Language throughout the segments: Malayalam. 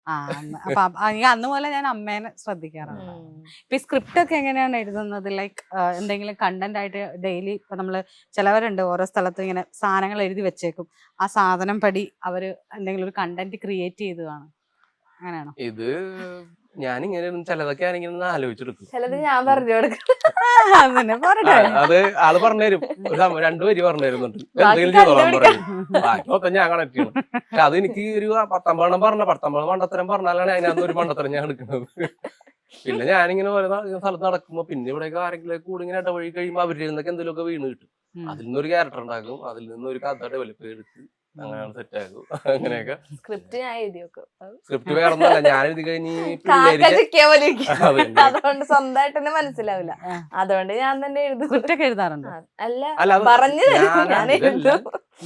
അപ്പൊ അന്ന് പോലെ ഞാൻ അമ്മേനെ ശ്രദ്ധിക്കാറുണ്ട്. ഇപ്പൊ ഈ സ്ക്രിപ്റ്റ് ഒക്കെ എങ്ങനെയാണ് എഴുതുന്നത്? ലൈക്ക് എന്തെങ്കിലും കണ്ടന്റ് ആയിട്ട് ഡെയിലി ഇപ്പൊ നമ്മള് ചിലവരുണ്ട് ഓരോ സ്ഥലത്തും ഇങ്ങനെ സാധനങ്ങൾ എഴുതി വെച്ചേക്കും, ആ സാധനം പടി അവര് എന്തെങ്കിലും ഒരു കണ്ടന്റ് ക്രിയേറ്റ് ചെയ്ത് കാണും, അങ്ങനെയാണോ? ഇത് ഞാനിങ്ങനെ ചിലതൊക്കെ ഞാനിങ്ങനെ ആലോചിച്ചെടുക്കും. ചിലത് ഞാൻ പറഞ്ഞു കൊടുക്കും. അത് ആള് പറഞ്ഞുതരും, ഒരു 2 വരി പറഞ്ഞു തരുന്നുണ്ട്, എന്തെങ്കിലും ചെയ്തോളാൻ പറയും. ബാക്കി മൊത്തം ഞാൻ കണക്ട് ചെയ്യണം. പക്ഷെ അത് എനിക്ക് ഒരു 19 19 മണ്ടത്തരം പറഞ്ഞാലാണ് അതിനകത്ത് ഒരു മണ്ടത്തരം ഞാൻ എടുക്കുന്നത്. പിന്നെ ഞാനിങ്ങനെ ഓരോ സ്ഥലത്ത് നടക്കുമ്പോ പിന്നെ ഇവിടെയൊക്കെ ആരെങ്കിലും കൂടി ഇങ്ങനെ ഇടവഴി കഴിയുമ്പോ അവരുടെ നിന്നൊക്കെ എന്തെങ്കിലുമൊക്കെ വീണ് കിട്ടും. അതിൽ നിന്നൊരു ക്യാരക്ടർ ഉണ്ടാക്കും, അതിൽ നിന്നൊരു കഥ ഡെവലപ്പ് ചെയ്തെടുത്ത് അങ്ങനെയാണ് സെറ്റ് ആക്കും. അങ്ങനെയൊക്കെ സ്ക്രിപ്റ്റ് ഞാൻ എഴുതി വെക്കും. സ്ക്രിപ്റ്റ് വേറെ ഒന്നല്ല, ഞാൻ എഴുതി കഴിഞ്ഞ് അതുകൊണ്ട് സ്വന്തമായിട്ട് തന്നെ മനസ്സിലാവില്ല, അതുകൊണ്ട് ഞാൻ തന്നെ എഴുതും. സ്ക്രിപ്റ്റ് ഒക്കെ എഴുതാറുണ്ട്? അല്ല, പറഞ്ഞു ഞാൻ എഴുതും.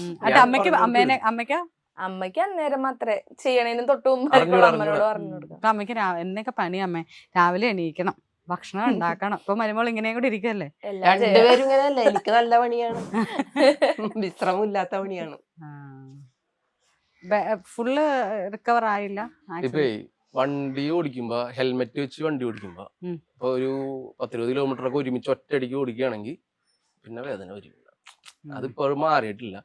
അമ്മയ്ക്ക് അന്നേരം മാത്രമേ ചെയ്യണേനും തൊട്ട് മുമ്പ് അമ്മനോട് പറഞ്ഞു കൊടുക്കാം. അപ്പൊ അമ്മയ്ക്ക് എന്നൊക്കെ പണി അമ്മേ, രാവിലെ എണീക്കണം, ഭക്ഷണം ഉണ്ടാക്കണം. ഇപ്പൊ മരുമോൾ ഇങ്ങനെയും കൂടി ഇരിക്കല്ലേ? രണ്ടുപേരും ഇങ്ങനെയല്ല, എനിക്ക് നല്ല പണിയാണ്, വിശ്രമമില്ലാത്ത പണിയാണ്. ഫുള്ള് റിക്കവർ ആയില്ല. ഇപ്പൊ വണ്ടി ഓടിക്കുമ്പോ ഹെൽമെറ്റ് വെച്ച് വണ്ടി ഓടിക്കുമ്പോ ഇപ്പൊ ഒരു 10-20 കിലോമീറ്റർ ഒക്കെ ഒരുമിച്ച് ഒറ്റയടിക്ക് ഓടിക്കുകയാണെങ്കിൽ പിന്നെ വേദന വരും. അതിപ്പോഴും മാറിയിട്ടില്ല.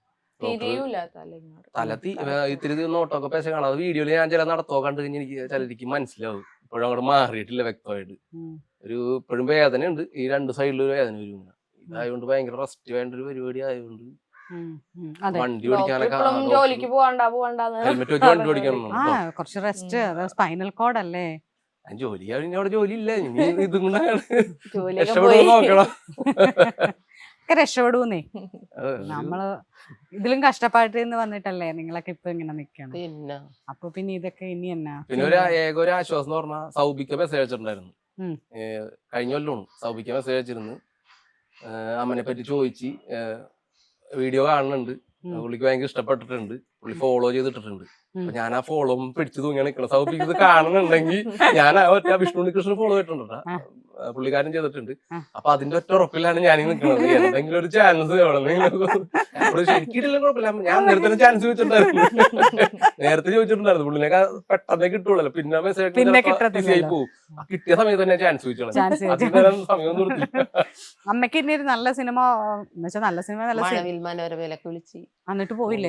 ഇത്തിരി നോട്ടൊക്കെ പേശ കാണാം. അത് വീഡിയോയില് ഞാൻ ചില നടത്തോ കണ്ടു കഴിഞ്ഞാൽ എനിക്ക് ചിലർക്ക് മനസ്സിലാവും. ഇപ്പോഴും അങ്ങോട്ട് മാറിയിട്ടില്ല വ്യക്തമായിട്ട്. ഇപ്പോഴും വേദന ഉണ്ട്, ഈ 2 സൈഡിലും വേദന വരും. ഇതായതുകൊണ്ട് ഭയങ്കര റെസ്റ്റ് വേണ്ട ഒരു പരിപാടി ആയതുകൊണ്ട് വണ്ടി ഓടിക്കാനൊക്കെ ജോലിക്ക് ഹെൽമെറ്റ് വെച്ച് വണ്ടി ഓടിക്കണം. കുറച്ച് റെസ്റ്റ്, സ്പൈനൽ കോഡ് അല്ലേ? ജോലി കഴിഞ്ഞ അവിടെ ജോലി ഇല്ല, ഇനി ഇതും കൂടെ നോക്കണം. രക്ഷപ്പെടൂന്നേ. നമ്മള് ഇതിലും കഷ്ടപ്പാട്ടിന്ന് വന്നിട്ടല്ലേ നിങ്ങളൊക്കെ ഇപ്പൊ ഇങ്ങനെ നിക്കണം. അപ്പൊ പിന്നെ ഇതൊക്കെ ഇനി എന്നാ. പിന്നെ ഒരു ആശ്വാസം എന്ന് പറഞ്ഞാൽ സൗബിക്ക മെസ്സേജ് അയച്ചിട്ടുണ്ടായിരുന്നു. കഴിഞ്ഞ കൊല്ലമാണ് സൗബിക്ക മെസ്സേജ് അയച്ചിരുന്നു. അമ്മനെ പറ്റി ചോദിച്ച് വീഡിയോ കാണുന്നുണ്ട്, പുള്ളിക്ക് ഭയങ്കര ഇഷ്ടപ്പെട്ടിട്ടുണ്ട്, പുള്ളി ഫോളോ ചെയ്തിട്ടുണ്ട്. അപ്പൊ ഞാൻ ആ ഫോളോ പിടിച്ചു തൂങ്ങിയാണ് നിൽക്കണം. സൗബിക്ക് ഇത് കാണുന്നുണ്ടെങ്കിൽ ഞാൻ ഒറ്റ വിഷ്ണു കൃഷ്ണൻ ഫോളോ ചെയ്തിട്ടുണ്ട്, പുള്ളിക്കാരൻ ചെയ്തിട്ടുണ്ട്. അപ്പൊ അതിന്റെ ഒറ്റ ഉറപ്പിലാണ് ഞാൻ നിൽക്കുന്നത്. എന്തെങ്കിലും ഒരു ചാൻസ് ശരിക്കിട്ടില്ല കുഴപ്പമില്ല. ഞാൻ നേരത്തെ ചാൻസ് നേരത്തെ ചോദിച്ചിട്ടുണ്ടായിരുന്നു, പുള്ളിനൊക്കെ പെട്ടെന്ന് കിട്ടുള്ളൂ. പിന്നെ മെസ്സേജ് പോകും. കിട്ടിയ സമയത്ത് തന്നെ ചാൻസ് ചോദിച്ചോളാം. സമയം നിർത്തി. അമ്മയ്ക്ക് ഇനി ഒരു നല്ല സിനിമ, നല്ല സിനിമ എന്നിട്ട് പോയില്ലേ?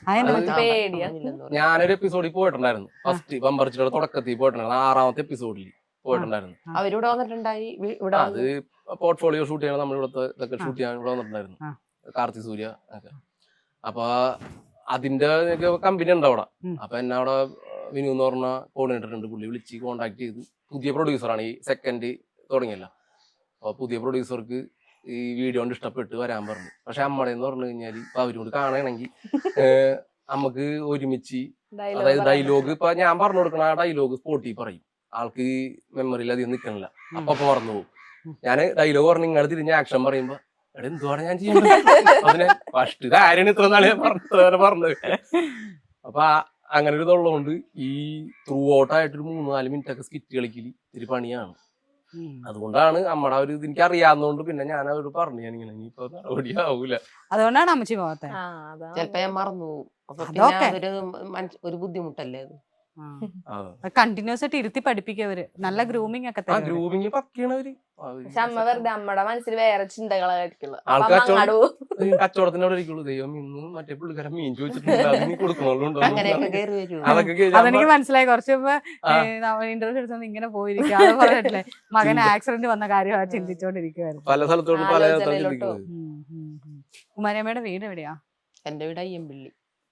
ഞാനൊരു എപ്പിസോഡിൽ പോയിട്ടുണ്ടായിരുന്നു, ഫസ്റ്റ് ബമ്പർച്ചിയുടെ തുടക്കത്തിൽ പോയിട്ടുണ്ടായിരുന്നു, 6ാമത്തെ എപ്പിസോഡിൽ പോയിട്ടുണ്ടായിരുന്നു. അവരിവിടെ വന്നിട്ടുണ്ടായി. അത് പോർട്ട്ഫോളിയോ ഷൂട്ട് ചെയ്യണം, നമ്മളിവിടുത്തെ ഇതൊക്കെ ഷൂട്ട് ചെയ്യാൻ ഇവിടെ വന്നിട്ടുണ്ടായിരുന്നു, കാർത്തി സൂര്യ ഒക്കെ. അപ്പൊ അതിന്റെ കമ്പനി ഉണ്ട് അവിടെ. അപ്പൊ എന്നെ അവിടെ വിനു എന്ന് പറഞ്ഞ കോർഡിനേറ്റർ ഉണ്ട്, പുള്ളി വിളിച്ച് കോണ്ടാക്ട് ചെയ്ത്, പുതിയ പ്രൊഡ്യൂസറാണ്, ഈ സെക്കൻഡ് തുടങ്ങിയല്ല. അപ്പൊ പുതിയ പ്രൊഡ്യൂസർക്ക് ഈ വീഡിയോ കൊണ്ട് ഇഷ്ടപ്പെട്ട് വരാൻ പറഞ്ഞു. പക്ഷെ അമ്മടെ എന്ന് പറഞ്ഞു കഴിഞ്ഞാല് ഇപ്പൊ അവരോട് കാണണമെങ്കിൽ നമുക്ക് ഒരുമിച്ച്, അതായത് ഡയലോഗ് ഇപ്പൊ ഞാൻ പറഞ്ഞു കൊടുക്കണ ആ ഡയലോഗ് സ്പോട്ടിൽ പറയും, ആൾക്ക് മെമ്മറിയിൽ അധികം നിൽക്കണില്ല, അപ്പൊ മറന്നു പോകും. ഞാൻ ഡയലോഗ് പറഞ്ഞു ഇങ്ങനെ തിരിഞ്ഞ ആക്ഷൻ പറയുമ്പോ എവിടെ എന്തുവാണ് ഞാൻ ചെയ്യുന്നത്, അതിനെ ഫസ്റ്റ് ഇത് ആരാണ് ഇത്ര നാളെ പറഞ്ഞത്. അപ്പൊ അങ്ങനെ ഒരു ഇതുള്ളതുകൊണ്ട് ഈ ത്രൂ ഔട്ടായിട്ടൊരു 3-4 മിനിറ്റ് ഒക്കെ സ്കിറ്റ് കളിക്കല് ഇത്തിരി പണിയാണ്. അതുകൊണ്ടാണ് നമ്മുടെ ഒരു ഇത് എനിക്ക് അറിയാവുന്നതുകൊണ്ട് പിന്നെ ഞാൻ അവരോട് പറഞ്ഞു, ഞാനിങ്ങനെ ഇനിയിപ്പോ നടപടി ആവൂല. അതുകൊണ്ടാണ് അമ്മച്ചി പോകാത്തെ. ചിലപ്പോ ഞാൻ മറന്നു പോകും. ഒരു ബുദ്ധിമുട്ടല്ലേ അത്. കണ്ടിന്യൂസ് ആയിട്ട് ഇരുത്തി പഠിപ്പിക്കവര്, നല്ല ഗ്രൂമിംഗ് ഒക്കെ ഗ്രൂമിംഗ് പക്കണവര്. പക്ഷെ അമ്മ വെറുതെ അമ്മയുടെ മനസ്സിൽ വേറെ ചിന്തകളായിരിക്കുള്ളൂ. കച്ചവടത്തിനോട് ഇരിക്കുള്ളൂ, ദൈവം ഇന്ന് മറ്റേ പുള്ളിക്കാരൻ മീൻ ചോദിച്ചിട്ടുണ്ട് കൊടുക്കണുണ്ടോ. അതെനിക്ക് മനസ്സിലായി. കുറച്ച് ഇന്റർവ്യൂ എടുത്തു ഇങ്ങനെ പോയിരിക്കും, അത് പറഞ്ഞിട്ടില്ലേ മകൻ ആക്സിഡന്റ് വന്ന കാര്യം ചിന്തിച്ചോണ്ടിരിക്കുവായിരുന്നു. പല സ്ഥലത്തോട് പല. കുമാരിയമ്മയുടെ വീട് എവിടെയാ? എന്റെ വീട് അയ്യമ്പള്ളി,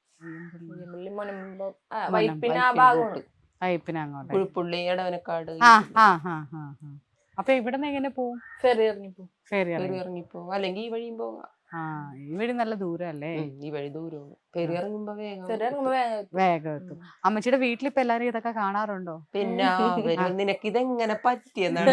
പുഴുപ്പുള്ളി, എടവനക്കാട്. അപ്പൊ ഇവിടെ നിന്ന് എങ്ങനെ പോവും? ഫെറി ഇറങ്ങിപ്പോ, അല്ലെങ്കിൽ ഈ വഴിയും പോകാം. ഈ വഴി നല്ല ദൂരല്ലേ? ഈ വഴി ദൂരമാണ്, ഫെറി ഇറങ്ങുമ്പോ വേഗം എത്തും. അമ്മച്ചിയുടെ വീട്ടിലിപ്പോ എല്ലാരും ഇതൊക്കെ കാണാറുണ്ടോ? പിന്നെ നിനക്ക് ഇതെങ്ങനെ പറ്റിയെന്നാണ്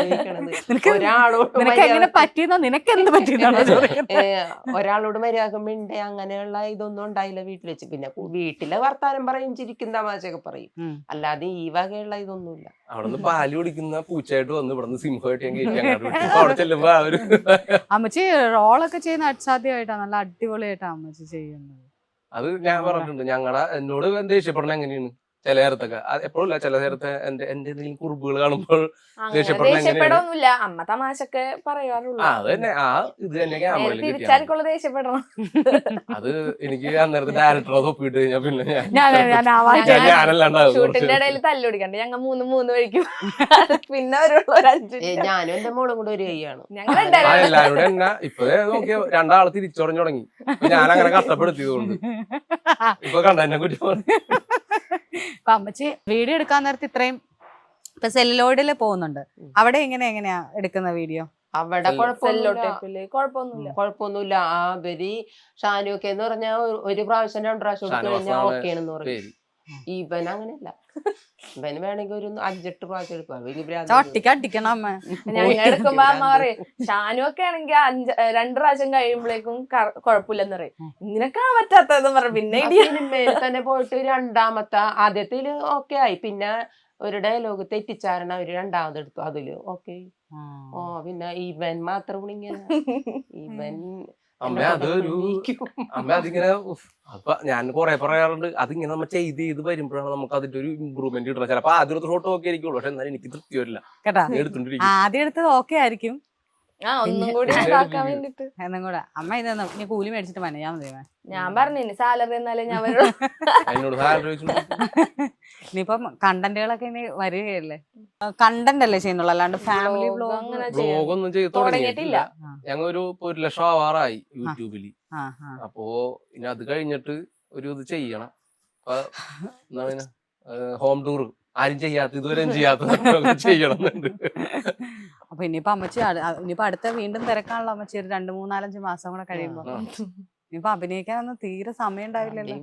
ഒരാളോട് മര്യാദ അങ്ങനെയുള്ള ഇതൊന്നും ഉണ്ടായില്ല വീട്ടിൽ വെച്ച്. പിന്നെ വീട്ടിലെ വർത്താനം പറയും, ചിരിക്കും, തമാശയൊക്കെ പറയും, അല്ലാതെ ഈ വകയുള്ള ഇതൊന്നുമില്ല. അവിടെ പാല് കുടിക്കുന്ന പൂച്ചയായിട്ട് വന്ന് ഇവിടെ സിംഹമായിട്ട് അവിടെ ചെല്ലുമ്പോ അവര് അമ്മച്ചി റോളൊക്കെ ചെയ്യുന്ന അസാധ്യമായിട്ടാ, നല്ല അടിപൊളിയായിട്ടാ അമ്മച്ചി ചെയ്യുന്നത്. അത് ഞാൻ പറഞ്ഞിട്ടുണ്ട്. എന്നോട് ദേഷ്യപ്പെടണ എങ്ങനെയാണ്, ചില നേരത്തൊക്കെ എപ്പോഴും ഇല്ല, ചില നേരത്തെ എന്റെ എന്തെങ്കിലും കുറിപ്പുകൾ കാണുമ്പോൾ അങ്ങനെ ദേഷ്യപ്പെടണ ദേഷ്യപ്പെടൊന്നുമില്ല, അമ്മ തമാശക്കെ പറയാറുള്ളൂ. അത് തന്നെ ഇത് തന്നെ ക്യാമറയിൽ കിട്ടിയാണ്. തിരിച്ചാർക്കുള്ള ദേഷ്യപ്പെടണം. അത് എനിക്ക് അന്നേരത്തെ ഡയറക്ടറെ തൊപ്പിട്ട് കഴിഞ്ഞാൽ പിന്നെ ഞാനല്ലാണ്ടാവും. ഷൂട്ടിന്റെ ഇടയിൽ തല്ലുപിടിക്കണ്ട, ഞങ്ങൾ മൂന്ന് വഴിക്കും. പിന്നെ അവരുള്ള ഒരു 5 ഞാനും എന്റെ മോളും കൂടെ ഒരു കൈയാണ്. ഞങ്ങൾ എല്ലാരും കൂടെ എന്നാ ഇപ്പൊ നോക്കിയ രണ്ടാള് തിരിച്ചറിഞ്ഞു തുടങ്ങി. ഞാൻ അങ്ങനെ കഷ്ടപ്പെടുത്തിയതുകൊണ്ട് ഇപ്പൊ കണ്ടെന്നെ കുറ്റി. അപ്പൊ അമ്മച്ചി വീഡിയോ എടുക്കാൻ നേരത്തെ ഇത്രയും ഇപ്പൊ സെല്ലോയിഡില് പോകുന്നുണ്ട്, അവിടെ എങ്ങനെയാ എടുക്കുന്ന വീഡിയോ? അവിടെ കുഴപ്പമൊന്നുമില്ല. കുഴപ്പമൊന്നുമില്ല. അവര് ഷാനുക്കെ എന്ന് പറഞ്ഞാൽ ഒരു പ്രാവശ്യം 2 പ്രാവശ്യം എടുത്തു കഴിഞ്ഞാൽ ഓക്കെ ആണെന്ന് പറയും. ഇവൻ അങ്ങനെയല്ല, ഇവന് വേണമെങ്കിൽ ഒരു 5-8 പ്രാവശ്യം എടുക്കും. ഒട്ടിക്കടിക്കണം അമ്മ. ഞങ്ങൾ എടുക്കുമ്പോ അമ്മ പറയും ഷാനുവൊക്കെ ആണെങ്കിൽ 2 പ്രാവശ്യം കഴിയുമ്പോഴേക്കും കുഴപ്പമില്ലെന്ന് പറയും. ഇങ്ങനൊക്കെ പറ്റാത്തതെന്ന് പറയും. പിന്നെ സിനിമയിൽ തന്നെ പോയിട്ട് രണ്ടാമത്തെ ആദ്യത്തില് ഓക്കെ ആയി, പിന്നെ ഒരു ഡയലോഗ് തെറ്റിച്ചാരണം അവര് രണ്ടാമത് എടുത്തു, അതില് ഓക്കെ. പിന്നെ ഇവൻ മാത്രം ഇങ്ങനെ ഇവൻ അമ്മ അതിങ്ങനെ അപ്പൊ ഞാൻ കൊറേ പറയാറുണ്ട്, അതിങ്ങനെ നമ്മൾ ചെയ്ത് വരുമ്പോഴാണ് നമുക്ക് അതിന്റെ ഒരു ഇമ്പ്രൂവ്മെന്റ് കിട്ടണം. ചിലപ്പോ ആദ്യം എടുത്ത ഷോട്ട് ഓക്കെ ആയിരിക്കുള്ളൂ, പക്ഷെ എന്നാലും എനിക്ക് തൃപ്തി വരില്ല. കേട്ടാ, ആദ്യം എടുത്തത് ഓക്കെ ആയിരിക്കും, ഒന്നും കൂടി ഉണ്ടാക്കാൻ വേണ്ടിട്ട് എന്നും കൂടെ. അമ്മ ഇതൊന്നും നീ കൂലി മേടിച്ചിട്ട് മനയാ മതി. ഞാൻ പറഞ്ഞു സാലറി എന്നാലേ ഞാൻ എന്നോട് സാലറി ഇനിയിപ്പം കണ്ടന്റുകളൊക്കെ ഇനി വരികയല്ലേ, കണ്ടന്റ് അല്ലേ ചെയ്യുന്നുള്ളൂ, അല്ലാണ്ട് ഫാമിലി ബ്ലോഗ് ഒന്നും ചെയ്ത് തുടങ്ങിയിട്ടില്ല. ഞങ്ങൾ ഒരു 1 ലക്ഷം ആവാറായി യൂട്യൂബില്. അപ്പോ ഇനി അത് കഴിഞ്ഞിട്ട് ഒരു ഇത് ചെയ്യണം. എന്താണ് ഹോം ടൂർ ആരും ചെയ്യാത്ത, ഇതുവരെ ചെയ്യാത്ത ചെയ്യണം. അപ്പൊ ഇനിയിപ്പോ അമ്മച്ചി ഇനിയിപ്പോ അടുത്ത വീണ്ടും തിരക്കാണല്ലോ അമ്മച്ചി, ഒരു 2-3-4-5 മാസം കൂടെ കഴിയുമ്പോ. ഇനിയിപ്പോ അഭിനയിക്കാനൊന്നും തീരെ സമയം ഉണ്ടാവില്ലല്ലോ.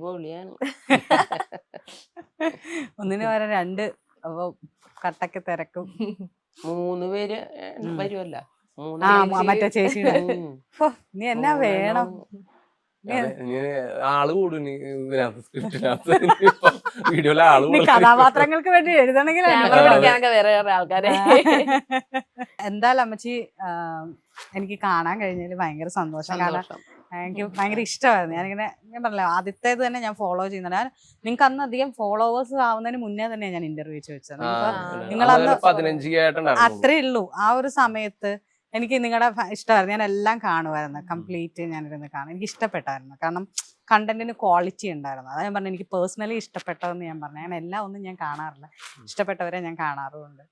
ഒന്നിന് വരെ 2 അപ്പൊ കട്ടക്ക് തിരക്കും. 3 പേര് വരുമല്ല, മറ്റേ ചേച്ചിയുടെ. നീ എന്നാ വേണം, ആള് കൂടും വീഡിയോയിലെ ആള് കൂടും. കഥാപാത്രങ്ങൾക്ക് വേണ്ടി എഴുതണമെങ്കിൽ വേറെ ആൾക്കാരെ. എന്തായാലും അമ്മച്ചി എനിക്ക് കാണാൻ കഴിഞ്ഞതിൽ ഭയങ്കര സന്തോഷം. കാരണം എനിക്ക് ഭയങ്കര ഇഷ്ടമായിരുന്നു. ഞാൻ പറഞ്ഞില്ല, ആദ്യത്തേത് തന്നെ ഞാൻ ഫോളോ ചെയ്യുന്നുണ്ട്. നിങ്ങൾക്ക് അന്ന് അധികം ഫോളോവേഴ്സ് ആവുന്നതിന് മുന്നേ തന്നെ ഞാൻ ഇന്റർവ്യൂ ചോദിച്ചത്. നിങ്ങളന്ന് 15 അത്രേ ഉള്ളൂ. ആ ഒരു സമയത്ത് എനിക്ക് നിങ്ങളുടെ ഇഷ്ടമായിരുന്നു, ഞാൻ എല്ലാം കാണുമായിരുന്നു, കംപ്ലീറ്റ് ഞാനിരുന്ന് കാണും. എനിക്ക് ഇഷ്ടപ്പെട്ടായിരുന്നു, കാരണം കണ്ടന്റിന് ക്വാളിറ്റി ഉണ്ടായിരുന്നു. അതാ ഞാൻ പറഞ്ഞു എനിക്ക് പേഴ്സണലി ഇഷ്ടപ്പെട്ടതെന്ന് ഞാൻ പറഞ്ഞു. ഞാൻ എല്ലാം ഒന്നും ഞാൻ കാണാറില്ല, ഇഷ്ടപ്പെട്ടവരെ ഞാൻ കാണാറുമുണ്ട്.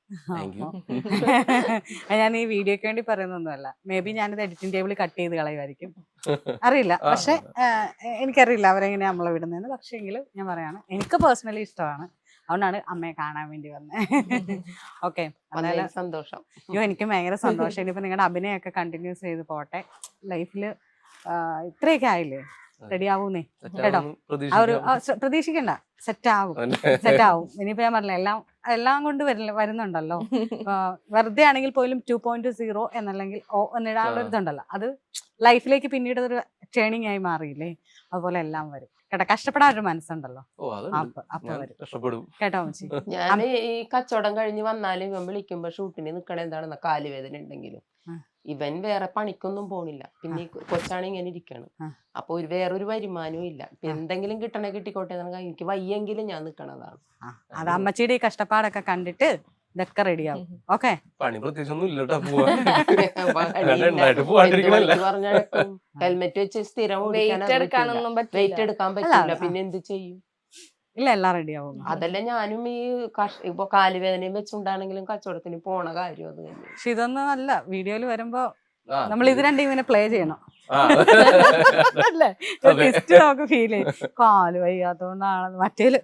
ഞാൻ ഈ വീഡിയോക്ക് വേണ്ടി പറയുന്നൊന്നുമല്ല, മേ ബി ഞാനിത് എഡിറ്റിംഗ് ടേബിളിൽ കട്ട് ചെയ്ത് കളയുമായിരിക്കും, അറിയില്ല. പക്ഷെ എനിക്കറിയില്ല അവരെങ്ങനെയാ നമ്മളെ വിടുന്നതെന്ന്. പക്ഷേ എങ്കിലും ഞാൻ പറയാണ്, എനിക്ക് പേഴ്സണലി ഇഷ്ടമാണ്, അതുകൊണ്ടാണ് അമ്മയെ കാണാൻ വേണ്ടി വന്നത്. ഓക്കെ, സന്തോഷം. അയ്യോ എനിക്ക് ഭയങ്കര സന്തോഷം. ഇനിയിപ്പോ നിങ്ങളുടെ അഭിനയമൊക്കെ കണ്ടിന്യൂസ് ചെയ്ത് പോട്ടെ. ലൈഫില് ഇത്രയൊക്കെ ആയില്ലേ, റെഡി ആവൂന്നേ കേട്ടോ. ആ ഒരു പ്രതീക്ഷിക്കണ്ട, സെറ്റ് ആവും. ഇനിയിപ്പോ ഞാൻ പറഞ്ഞില്ല, എല്ലാം കൊണ്ട് വരുന്നുണ്ടല്ലോ. വെറുതെ ആണെങ്കിൽ പോലും 2.0 എന്നല്ലെങ്കിൽ എന്നിടാനുള്ള ഇതുണ്ടല്ലോ, അത് ലൈഫിലേക്ക് പിന്നീട് ഒരു ട്രെയിനിങ് ആയി മാറിയില്ലേ, അതുപോലെ എല്ലാം വരും കേട്ടോ. കഷ്ടപ്പെടാൻ ഒരു മനസ്സുണ്ടല്ലോ, അപ്പൊ വരും കേട്ടോ മച്ചി. ഞാൻ ഈ കച്ചവടം കഴിഞ്ഞ് വന്നാലും ഇവൻ വിളിക്കുമ്പോ ഷൂട്ടിന് നിക്കണ എന്താണെന്ന കാലുവേദന ഉണ്ടെങ്കിലും ഇവൻ വേറെ പണിക്കൊന്നും പോണില്ല. പിന്നെ കൊച്ചാണ് ഇങ്ങനെ ഇരിക്കാണ്, അപ്പൊ വേറൊരു വരുമാനവും ഇല്ല. എന്തെങ്കിലും കിട്ടണേ കിട്ടിക്കോട്ടെ, എനിക്ക് വയ്യെങ്കിലും ഞാൻ നിക്കണതാണ്. അത് അമ്മച്ചിയുടെ ഈ കഷ്ടപ്പാടൊക്കെ കണ്ടിട്ട് ഇതൊക്കെ റെഡിയാവും. ഓക്കെ, പണി പ്രത്യേകിച്ചൊന്നും ഇല്ലട്ടോ. ഹെൽമെറ്റ് വെച്ച് സ്ഥിരം വെയിറ്റ് എടുക്കാനൊന്നും വെയിറ്റ് എടുക്കാൻ പറ്റില്ല, പിന്നെ എന്ത് ചെയ്യും? ഇല്ല, എല്ലാം റെഡിയാവും. അതല്ല ഞാനും ഈ ഇപ്പൊ കാലുവേദനയും വെച്ചുണ്ടാണെങ്കിലും കച്ചവടത്തിന് പോണ കാര്യം അത് തന്നെ. പക്ഷെ ഇതൊന്നും അല്ല, വീഡിയോയിൽ വരുമ്പോ നമ്മൾ ഇത് രണ്ടും ഇങ്ങനെ പ്ലേ ചെയ്യണം അല്ലേ, നമുക്ക് ഫീൽ ചെയ്യും. കാല് വയ്യാത്തോണ്ടാണ് മറ്റേല്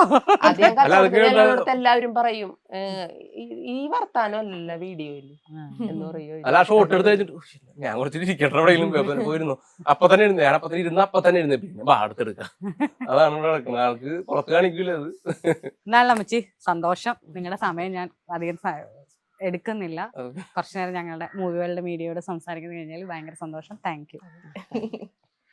എല്ലാവരും പറയും ഈ വർത്താനം അല്ലല്ല വീഡിയോയില് എന്ന് പറയും. അല്ല, ഷോട്ട് എടുത്ത് കഴിഞ്ഞിട്ട് ഞാൻ കുറച്ച് ഇരിക്കട്ടെ എവിടെയെങ്കിലും പോയിരുന്നു, അപ്പൊ തന്നെ ഇരുന്ന് ഞാൻ അപ്പൊ തന്നെ ഇരുന്ന് അപ്പൊ തന്നെ ഇരുന്ന് പിന്നെ അടുത്തെടുക്കാം. അതാണ് ഇവിടെ നടക്കുന്നത്, ആൾക്ക് പുറത്ത് കാണിക്കൂല അത്. എന്നാലും അമ്മച്ചി സന്തോഷം. നിങ്ങളുടെ സമയം ഞാൻ അധികം എടുക്കുന്നില്ല. കുറച്ചു നേരം ഞങ്ങളുടെ മൂവി വേൾഡ് മീഡിയയോട് സംസാരിക്കുന്നത് കഴിഞ്ഞാൽ ഭയങ്കര സന്തോഷം. Thank U.